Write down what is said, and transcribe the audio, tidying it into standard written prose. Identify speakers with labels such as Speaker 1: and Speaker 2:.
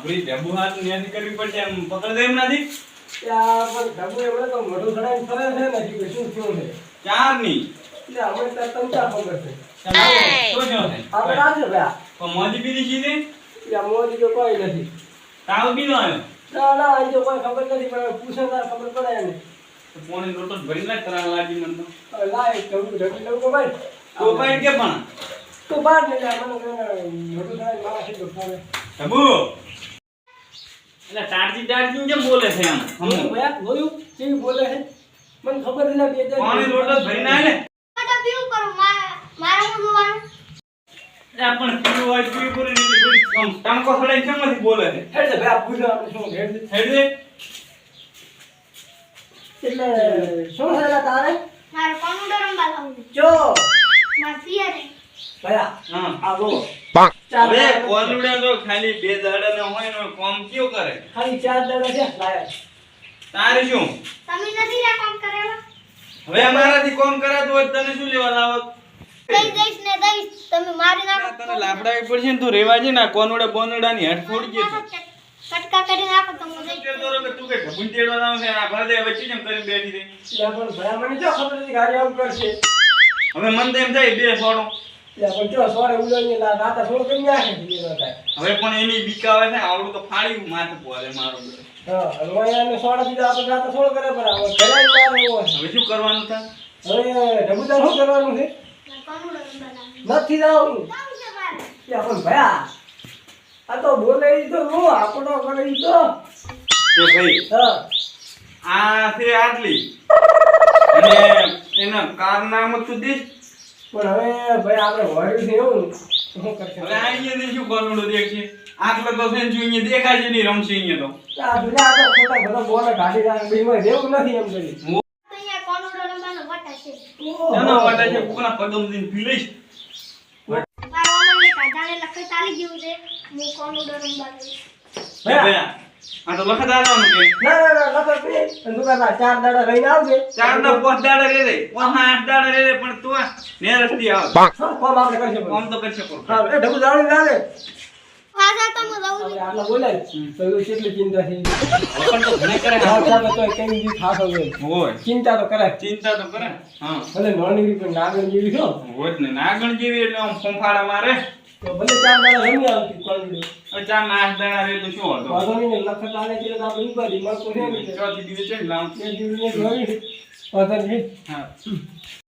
Speaker 1: આપણી ઢબુ હાથ ન્યાથી કરવી પડશે એમ પકડ દે એમ નથી
Speaker 2: ત્યાં પણ ઢબુ એવડે તો મોઢું ચડાઈને ફરે છે ને કે શું થયું છે
Speaker 1: ચાર ની
Speaker 2: એટલે અમે તો તંચા ખબર છે
Speaker 1: શું થયું છે
Speaker 2: આપણે રાજે ભયા
Speaker 1: પણ મોજી પીધી છે
Speaker 2: ત્યાં મોદી તો કોઈ નથી
Speaker 1: તાવ પીધો આવ્યો
Speaker 2: ના ના અહીં તો કોઈ ખબર નથી પણ પૂછે તાર ખબર પડે એને
Speaker 1: તો પોણી રોટો ભરી લાય તરા લાગી મને
Speaker 2: હવે લાય ઢબુ ઢબુ તો ભાઈ
Speaker 1: તો પાઈ કે પણ
Speaker 2: તો બહાર નહીં જાય મને મોઢું ચડાઈને મારા છે તો ફરે
Speaker 1: ઢબુ એટલે ટાટજી કેમ બોલે છે આમ
Speaker 2: હમ ભયા જોયું કેવી બોલે છે મને ખબર નથી બે જાય
Speaker 1: પાણી રોટો ભરી નાય ને
Speaker 3: તો પીવું કરું મારે હું જોવાનું
Speaker 1: પણ પીવું હોય પીવું પૂરી નહીં બોલી આમ ટાંકો સડાઈ કેમથી બોલે છે
Speaker 2: હેડ દે ભયા પૂછો આપણે શું હેડ દે
Speaker 1: હેડ દે
Speaker 2: એટલે શું થયેલા તારે
Speaker 3: મારે કોનું રમવા લાવું
Speaker 2: જો
Speaker 3: માર ફિયર
Speaker 2: ભયા
Speaker 1: હા
Speaker 2: આ બોલો
Speaker 1: હવે
Speaker 2: ચાર
Speaker 1: કોનુડા તો ખાલી બે દાડા ન હોય ને કોમ કયો કરે
Speaker 2: ખાલી 4 દાડા છે લાયા
Speaker 1: તારે શું
Speaker 3: તમે નથી રે કામ કરેલા
Speaker 1: હવે અમારાથી કોમ કરાતું હોય તને શું લેવા લાવત
Speaker 3: દઈશ ને દઈશ તમે મારી નાખો
Speaker 1: તને લાફડાવી પડશે ને તું રેવા જે ના કોનુડા બોનુડાની હટ ફોડી ગઈ
Speaker 3: કટકા કરી નાખો તો હું દઈશ
Speaker 1: તું કે ઢબુન તેડવા લાવ છે આ ભરદે વચ્ચે જેમ કરીને બેઠી રહી
Speaker 2: એટલે પણ ભયા મને જો ખબર હતી ગાડી આમ કરશે
Speaker 1: હવે મન તો એમ થાય બે સોડો
Speaker 2: એટલે પણ જો સોરે ઉલોની રાતા સોળ કરી નાખે છે એ થાય
Speaker 1: હવે પણ એની બીક આવે છે આવડું તો ફાડ્યું માથે પોરે મારો બધો
Speaker 2: હા રોયાને સોડા દીધા આપણે રાતા સોળ કરે પર આવે ઘરે મારે એવો છે
Speaker 1: હવે શું કરવાનું થાય
Speaker 2: હવે ઢબુદાર શું કરવાનું છે
Speaker 3: કોનું રમવા લાવું
Speaker 2: નથી જવાનું
Speaker 3: જાવું છે મારે
Speaker 2: એટલે પણ ભયા આ તો બોલે ઈ તો નો આપણો કરે ઈ તો
Speaker 1: એ ભાઈ
Speaker 2: હા
Speaker 1: આ છે આટલી અને એના કારનામું તું દીશ
Speaker 2: પણ હવે ભાઈ આપણે વળ્યું છે એવું શું કરશે
Speaker 1: હવે અહીંયા શું કોનુડું દેખશે આટલો તો છે ને જો અહીંયા દેખાય છે નહીં રમશે અહીંયા તો
Speaker 2: આ દુનિયા આ તો ખોટા બધા બોલે કાઢી રાખે બીમાં રહેવું નથી એમ કરી
Speaker 3: તો અહીંયા કોનું રમવાનો વટા છે
Speaker 1: નાના વાટા છે કોના પગમ દીને પી લઈશ
Speaker 3: મારા મમ્મીને કાઢાને લખે ચાલી ગયું છે હું કોનું રમવા લઈશ
Speaker 1: ભયા આ તો લખત આવવાનું કે
Speaker 2: ના ના ના લખત પે દુકાનના 4 દાડા રહીને આવજે
Speaker 1: ચાર ના 5 દાડા રે રે 5 8 દાડા રે રે પણ તું નેરસ્તી આવ
Speaker 2: કોમ આપણે કરશે
Speaker 1: કોમ તો કરી શકો
Speaker 2: હા એ ઢબુ જાણી લાગે
Speaker 3: પાછા તો હું રહું
Speaker 2: આપણે આટલા બોલે તો એવું કેટલી ચિંતા છે
Speaker 1: પણ તો ઘણે કરે
Speaker 2: હા ચાલો તો કઈ દી થાતો હોય
Speaker 1: હોય
Speaker 2: ચિંતા તો કરે
Speaker 1: ચિંતા તો કરે હા
Speaker 2: ભલે નોની પણ નાગણ જેવી છો
Speaker 1: હોય જ ને નાગણ જેવી એટલે આમ ફંફાડા મારે
Speaker 2: તો ભલે 4 દાડા રમી આવતી કોણ
Speaker 1: હવે ચાર ના 8 દાડા રે તો શું હતો
Speaker 2: વાંધો નહીં લખત આલે કે આપણે ઉપાડી મળતો છે ને
Speaker 1: ચોથી દિવસે જ લાવ
Speaker 2: એ જીવને જોઈ વાંધો નહીં
Speaker 1: હા